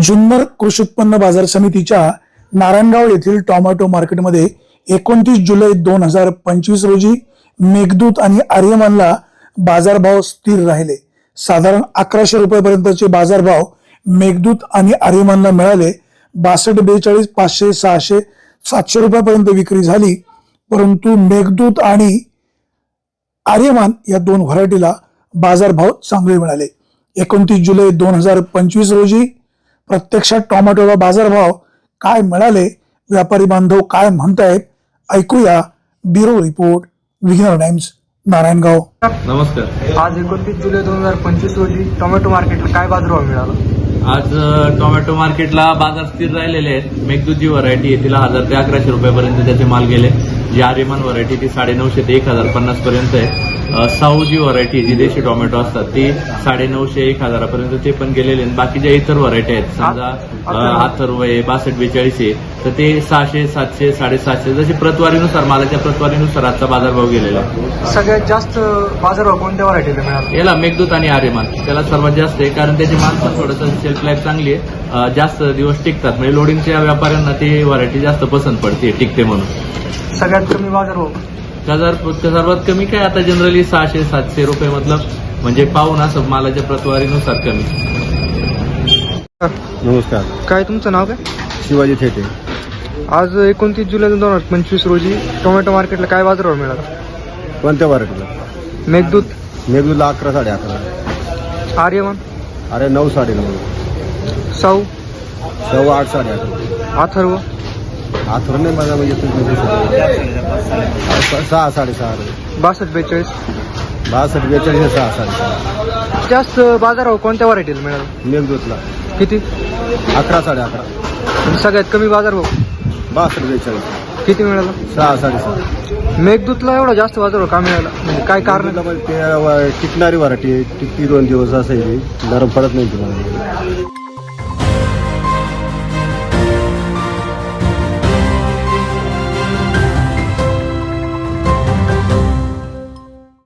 जुन्नर कृषी उत्पन्न बाजार समितीच्या नारायणगाव येथील टोमॅटो मार्केटमध्ये 29 जुलै 2025 रोजी मेघदूत आणि आर्यमानला बाजारभाव स्थिर राहिले. साधारण 1100 रुपयापर्यंतचे बाजारभाव मेघदूत आणि आर्यमानला मिळाले. 62, 42, 500, 600, 700 रुपयापर्यंत विक्री झाली. परंतु मेघदूत आणि आर्यमान या दोन व्हरायटीला बाजारभाव चांगले मिळाले. 29 जुलै 2025 रोजी प्रत्यक्षात टोमॅटोला बाजारभाव काय मिळाले, व्यापारी बांधव काय म्हणतायत, ऐकूया. ब्युरो रिपोर्ट, विघ्नर टाइम्स, नारायणगाव. नमस्कार. आज 29 जुलै 2025 रोजी टोमॅटो मार्केटला काय बाजारभाव मिळाला? आज टोमॅटो मार्केटला बाजार स्थिर राहिलेले आहेत. मेघदूत जी व्हरायटी आहे तिला 1000 ते 1100 रुपयापर्यंत त्याचे माल गेले. जी आर्यमान व्हरायटी ती 950 ते 1050 पर्यंत आहे. साऊ जी व्हरायटी जी देशी टोमॅटो असतात ती 950 1000 पर्यंत ते पण गेलेले आहेत. बाकी ज्या इतर व्हरायटी आहेत समजा अथर्व आहे, 62, 42 आहे, तर ते 600, 700, 750 जशी प्रतवारीनुसार मालाच्या प्रतवारीनुसार आजचा बाजारभाव गेलेला आहे. सगळ्यात जास्त बाजारभाव कोणत्या व्हरायटीला मिळाला? याला मेघदूत आणि आर्यमान त्याला सर्वात जास्त आहे, कारण त्याची माल पण थोडंसं शेल्फ लाईफ चांगली आहे, जास्त दिवस टिकतात. म्हणजे लोडिंगच्या व्यापाऱ्यांना ती व्हरायटी जास्त पसंत पडते, टिकते म्हणून. सगळ्यात कमी बाजारभाव सर्वात कमी काय आता जनरली 600, 700 रुपये मतलब म्हणजे पाहून असं मालाच्या प्रतवारीनुसार कमी. नमस्कार. काय तुमचं नाव काय? शिवाजी थेटे. आज 29 जुलै 2025 रोजी टोमॅटो मार्केटला काय बाजारभाव मिळाला? कोणत्या व्हरायटीला? मेघदूत, मेघदूतला 11, 11.5. आर्यमान, अरे 9, 9.5. साऊ, 8, 8.5. अथर्व, आथर नाही माझा म्हणजे 6, 6.5. 62, 42. 62, 42, 6, 6.5. जास्त बाजारभाव कोणत्या व्हरायटीला मिळाला? मेघदूतला किती? 11, 11.5. आणि सगळ्यात कमी बाजारभाव 62, 42. किती मिळाला? 6, 6.5. मेघदूतला एवढा जास्त बाजारभाव का मिळाला? म्हणजे काय कारण? ते टिकणारी व्हरायटी टिकती 2 दिवस असायची, नरम पडत नाही तुम्हाला.